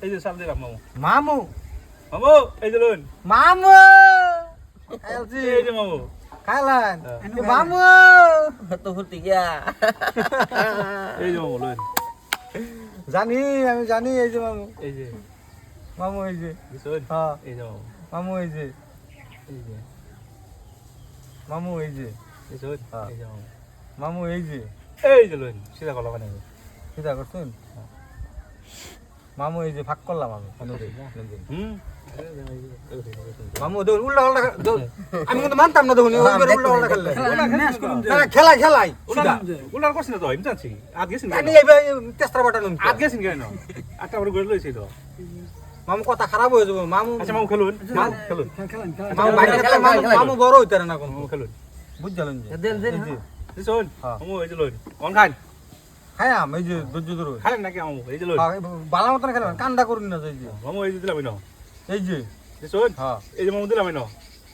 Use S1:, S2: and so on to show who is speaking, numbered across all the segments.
S1: এই যে সাল দিলাম মামু
S2: মামু
S1: মামু এই যে লুন
S2: মামু খাইছি
S1: এই যে মামু
S2: খাইলাম মামু
S3: তো ফুটি গিয়া
S1: এই যে মামু লুন
S2: জানি আমি জানি এই যে মামু
S1: এই যে
S2: মামু এই যে
S1: দিছুন
S2: হ্যাঁ
S1: এই যে মামু
S2: মামু এই যে
S1: এই যে
S2: মামু এই যে
S1: দিছুন
S2: হ্যাঁ।
S1: এই যে মামু
S2: মামু এই যে
S1: এই যে লুন সিধা কলা বানাই
S2: চিন্তা করছেন মামু এই যে ভাগ করলাম আমি
S1: হুম
S2: মামু দেখুন উল্টা পাল্টা আমি কিন্তু মানতাম না দেখুন উল্টা পাল্টা খেললে খেলাই খেলাই
S1: উলার করছিস তো আমি জানছি আজ গেছিস
S2: আমি এইবার তেস্তা বাটা নুন
S1: আজ গেছিস কেন আটটা বড় গড়ে লইছি তো
S2: মামু কথা খারাপ হয়ে যাবো মামু
S1: আচ্ছা মামু খেলুন মামু খেলুন
S2: মামু বাইরে খেলে মামু বড় হইতে না কোন
S1: মামু খেলুন
S2: বুঝলেন
S3: দেন দেন
S1: দিছুন
S2: হ্যাঁ।
S1: মামু এই যে লুন কোন খান
S2: খাই আমি এই যে ধৈর্য ধরো
S1: খালেন নাকি মামু এই যে লুন
S2: বালা মতন খেলবেন কান্দা করুন না এই যে
S1: মামু এই যে দিলাম না
S2: এই যে
S1: দিছুন
S2: হ্যাঁ
S1: এই যে মামু দিলাম না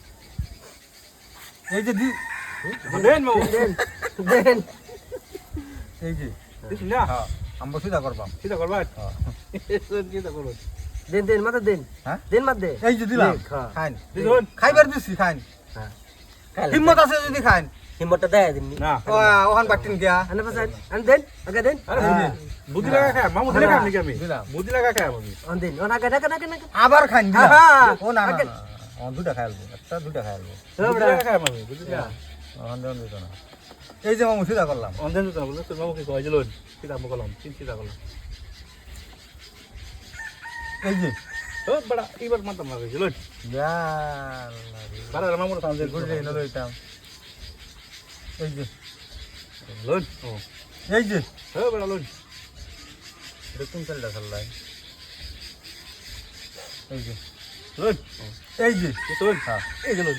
S2: এই যে
S1: দেন মামু
S3: দেন
S2: এই যে
S1: দিছুন না
S2: হ্যাঁ আমরা সিধা করবাম
S1: সিধা করবা
S2: হ্যাঁ
S1: সিধা করুন
S3: দেন দেন মাথা দেন
S2: হ্যাঁ
S3: দেন মাত দে
S2: এই যে দিলাম
S3: হ্যাঁ।
S2: খাইন
S1: দিছুন
S2: খাইবার দিছি খাইন হিম্মত আছে যদি খাইন
S3: হিম্মতটা দেয় দিন
S1: না
S2: ওখান বাটিন গিয়া
S3: আনে পাসান আন দেন আগে দেন
S1: আরে বুদ্ধি লাগা খায় মামু দিলে খাম নাকি আমি
S2: দিলাম।
S1: বুদ্ধি লাগা খায় আমি
S3: আন দেন ওনা আগে নাকে নাকে নাকে
S2: আবার খাইন দিলাম
S3: হ্যাঁ।
S2: ও না না ও দুটা খাইলবো একটা দুটা খাইলবো
S1: বুদ্ধি লাগা খায় আমি বুদ্ধি লাগা
S2: ওখান দেন দিত না এই যে মামু সিধা করলাম
S1: অন্ধেন তো বলে তোর মামু কি কয় যে লুন সিধা আমু কলম তিন সিধা কলম
S2: এই যে
S1: ও বড় এবার মাথা মারবে যে লুন বাড়া মামুর সামনে
S2: গুড়ি নলো এটাম এই যে
S1: লুন ও
S2: এই যে
S1: ও বড় লুন
S2: দেখুন চলটা চললাই এই যে
S1: লুন
S2: এই যে
S1: দিছুন
S2: হ্যাঁ
S1: এই যে লুন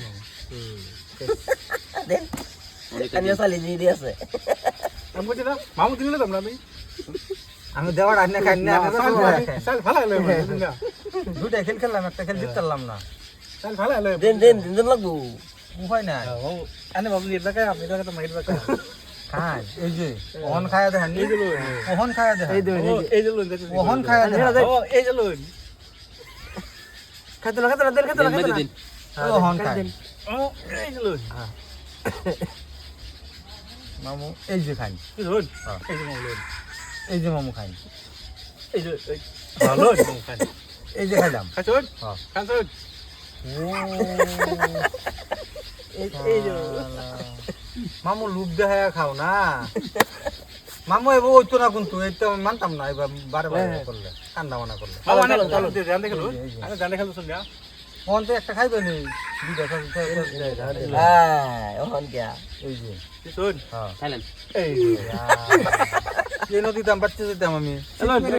S3: দেন আমি সালি দি আছে
S1: আমি বুঝি না মামু দিলে তো আমি
S2: আমি দেওয়ার আনে খাই না
S1: সাল ফালা লই না
S2: দুটা খেল খেললাম একটা খেল জিতলাম না
S1: সাল ফালা লই
S3: দেন দেন দেন লাগবো
S2: উপায় নাই
S1: মামু আনে বাবু এটা খায় আপনি তো মাইর বাকা
S2: খাই এই যে ওহন খায়া দেখেন
S1: এই যে লুন
S2: ওহন খায়া দেখেন
S1: এই যে লুন
S2: ওহন খায়া দেখেন
S1: ও এই যে লুন
S3: খাইতে না খাইতে না দেন খাইতে না খাইতে না
S2: ওহন খায়
S1: ও এই যে লুন
S2: মামু এই যে খাই
S1: লুন এই যে মামু লুন
S2: এই যে মামু খাই
S1: এই যে ভালো মামু খান
S2: এই যে খাইলাম
S1: খাচুন
S2: হ্যাঁ
S1: খাচুন
S3: এই যে
S2: মামু লুপ দেখায় খাও না মামু এবার ওই তো না কিন্তু এই তো আমি মানতাম না এবার বারে বারে করলে কান্দা মানা করলে
S1: মামু আনে চলো জান দেখে লুন আরে জান দেখে শুন না
S2: ওহন তো একটা খাইবে নি দুইটা
S3: হ্যাঁ ওহন কিয়া
S2: এই যে
S1: শুন
S2: হ্যাঁ
S3: খাইলেন
S1: এই
S2: এই নদীতে আমি বাচ্চা যেতাম আমি
S1: চলো